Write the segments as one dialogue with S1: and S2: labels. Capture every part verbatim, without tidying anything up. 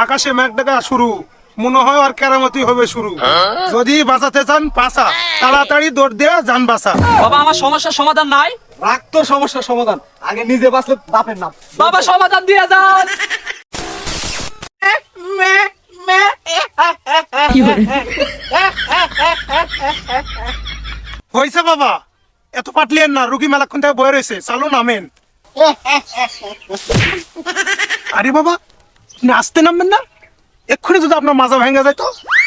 S1: আকাশে মেঘ ডাকা শুরু, মনে হয় আর কেরামতি হবে শুরু। যদি বাঁচাতে চান পাসা, তাড়াতাড়ি দৌড় দিয়ে যান বাসা।
S2: বাবা আমার সমস্যার সমাধান নাই।
S3: রাখ তোর সমস্যার সমাধান, আগে নিজে বাঁচলে বাপের নাম।
S2: বাবা সমাধান দিয়ে যান।
S1: হয়েছে বাবা, এত পাটলিয়েন না, রুগী মেলাক্ষণ থেকে বয়ে রয়েছে, চালু নামেন। আরে বাবা, আপনি আসতে নামবেন না? এক্ষুনি যদি আপনার মাজা ভেঙে যায় তো?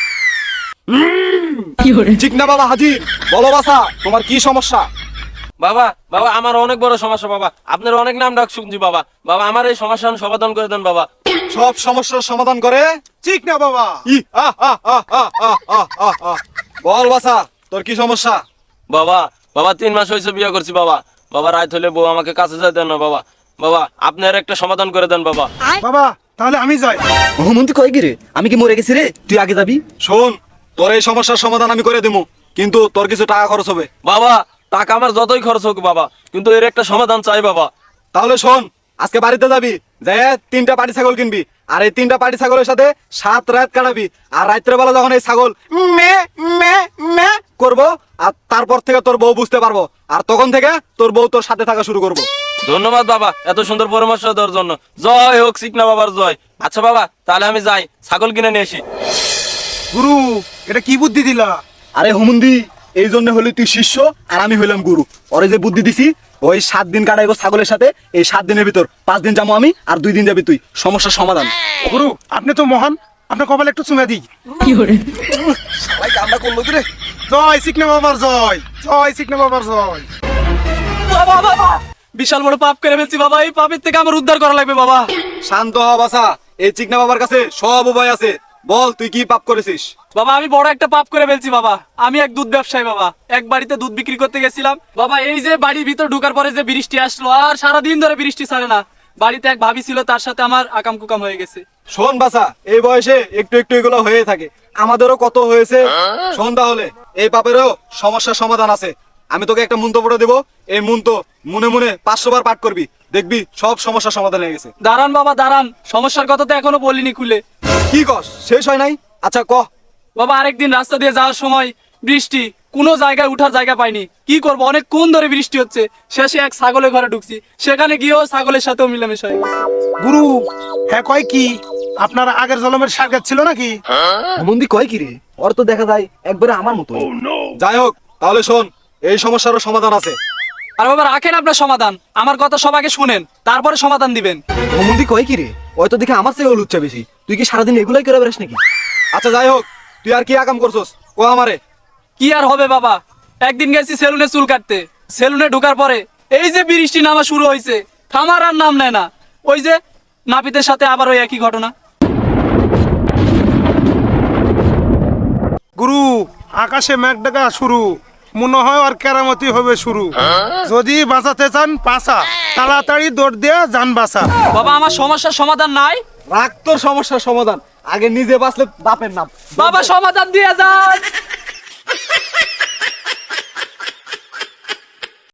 S3: ঠিক না বাবা হাজির, বলো বাসা তোমার কি সমস্যা?
S2: বাবা বাবা আমার অনেক বড় সমস্যা বাবা, আপনার অনেক নাম ডাক শুনছি বাবা। বাবা আমার এই সমস্যার সমাধান করে দেন বাবা।
S3: সব সমস্যার সমাধান করে?
S1: ঠিক না বাবা।
S3: ই আহ আহ আহ আহ আহ আহ আহ আহ। বল বাসা তোর কি সমস্যা?
S2: বাবা বাবা তিন মাস হয়েছে বিয়ে করছি বাবা। বাবা রাত হলে বউ আমাকে কাছে যেতে দেন না বাবা। বাবা আপনি আর একটা সমাধান করে দেন বাবা।
S1: বাবা তাহলে আমি যাই।
S4: মহামন্ত্রী কয় কি রে, আমি কি মরে গেছি রে? তুই আগে যাবি।
S3: শোন, তোর এই সমস্যার সমাধান আমি করে দেবো, কিন্তু তোর কিছু টাকা খরচ হবে।
S2: বাবা টাকা আমার যতই খরচ হোক বাবা, কিন্তু এর একটা সমাধান চাই বাবা।
S3: তাহলে শোন, আজকে বাড়িতে যাবি, যে তিনটা পাটি ছাগল কিনবি, আর এই তিনটা পাটি ছাগলের সাথে সাত রাত কাটাবি। আর রাত্রে বেলা যখন এই ছাগল মে মে মে করবো, আর তারপর থেকে তোর বউ বুঝতে পারবো, আর তখন থেকে তোর বউ তোর সাথে থাকা শুরু করবো।
S2: ধন্যবাদ বাবা এত সুন্দর পরামর্শ দেওয়ার জন্য। জয় হোক চিকনা বাবার জয়। আচ্ছা বাবা তাহলে আমি যাই, ছাগল কিনে নিয়ে আসি।
S1: গুরু, এটা কি বুদ্ধি দিলা?
S3: আরে হুমুন্দি, এই জন্য হলি তুই শিষ্য আর আমি হইলাম গুরু। ওরে যে বুদ্ধি দিছি, ওই সাত দিন কাটাইবো ছাগলের সাথে, এই সাত দিনের ভিতর পাঁচ দিন যাবো আমি, আর দুই দিন যাবি তুই। সমস্যার সমাধান।
S1: গুরু আপনি তো মহান, আপনার কপালে একটু চুমে দিই।
S3: সবাই কামনা করলো কি রে?
S1: জয় চিকনা বাবার জয়, জয় চিকনা বাবার জয়।
S2: বাবা বাবা বিশাল বড় পাপ করে ফেলছি বাবা, এই পাপের থেকে আমার উদ্ধার করা লাগবে বাবা।
S3: শান্ত হ বাসা, এই চিকনা বাবার কাছে সব উপায় আছে। বল তুই কি পাপ করেছিস?
S2: বাবা আমি বড় একটা পাপ করে ফেলছি বাবা। আমি এক দুধ ব্যবসায়ী বাবা, এক বাড়িতে দুধ বিক্রি করতে গেছিলাম বাবা। এই যে বাড়ির ভিতর ঢোকার পরে যে বৃষ্টি আসলো, আর সারাদিন ধরে বৃষ্টি ছাড়ে না। বাড়িতে এক ভাবি ছিল, তার সাথে আমার আকাম কুকাম হয়ে গেছে।
S3: শোন বাসা, এই বয়সে একটু একটু এগুলো হয়ে থাকে, আমাদেরও কত হয়েছে। শোন তাহলে, এই পাপেরও সমস্যার সমাধান আছে। আমি তোকে একটা মন্ত্র পড়ে দেবো, এই মন্ত্র মনে মনে পাঁচশো বার পাঠ করবি, দেখবি সব সমস্যার সমাধান হয়ে গেছে।
S2: দাঁড়ান বাবা দাঁড়ান, সমস্যার কথা তো এখনো বলিনি খুলে।
S3: কি কস, শেষ হয় নাই? আচ্ছা কহ।
S2: বাবা আরেকদিন রাস্তা দিয়ে যাওয়ার সময় বৃষ্টি, কোনো জায়গায় উঠার জায়গা পাইনি। কি করবো, অনেক কোন ধরে বৃষ্টি হচ্ছে। শেষে এক ছাগলের ঘরে ঢুকছি, সেখানে গিয়েও ছাগলের সাথেও মিলেমিশে হয়ে গেছে।
S1: গুরু হ্যাঁ কয় কি, আপনার আগের জন্মের সার্গাত ছিল নাকি?
S4: মহামন্ত্রী কয় কি রে, ওর তো দেখা যায় একবারে আমার মতো।
S3: যাই হোক, তাহলে শোন, এই সমস্যারও সমাধান আছে।
S2: আর বাবা রাখেন আপনার সমাধান, আমার কথা সবাইকে শুনেন, তারপরে সমাধান দিবেন।
S4: মহামন্ত্রী কয় কি রে, ওই তো দেখে আমার চেয়ে লুচ্ছা বেশি। তুই কি সারাদিন এগুলাই করে বেড়াস নাকি?
S3: আচ্ছা যাই হোক, তুই আর কি আকাম করছস কো আমারে।
S2: কি আর হবে বাবা, একদিন গেছি সেলুনে চুল কাটতে। সেলুনে ঢোকার পরে এই যে বৃষ্টি নামা শুরু হয়েছে, থামার আর নাম নেয় না। ওই যে নাপিতের সাথে আবার ওই একই ঘটনা।
S1: গুরু আকাশে মেঘ ডাকা শুরু, মনে হয় আর কেরামতি হবে শুরু। যদি বাঁচাতে চান পাসা, তাড়াতাড়ি দৌড় দিয়ে যান বাসা।
S2: বাবা আমার সমস্যার সমাধান নাই।
S3: রাখ তোর সমস্যার সমাধান, আগে নিজে বাঁচলে বাপের নাম।
S2: বাবা সমাধান দিয়ে যান।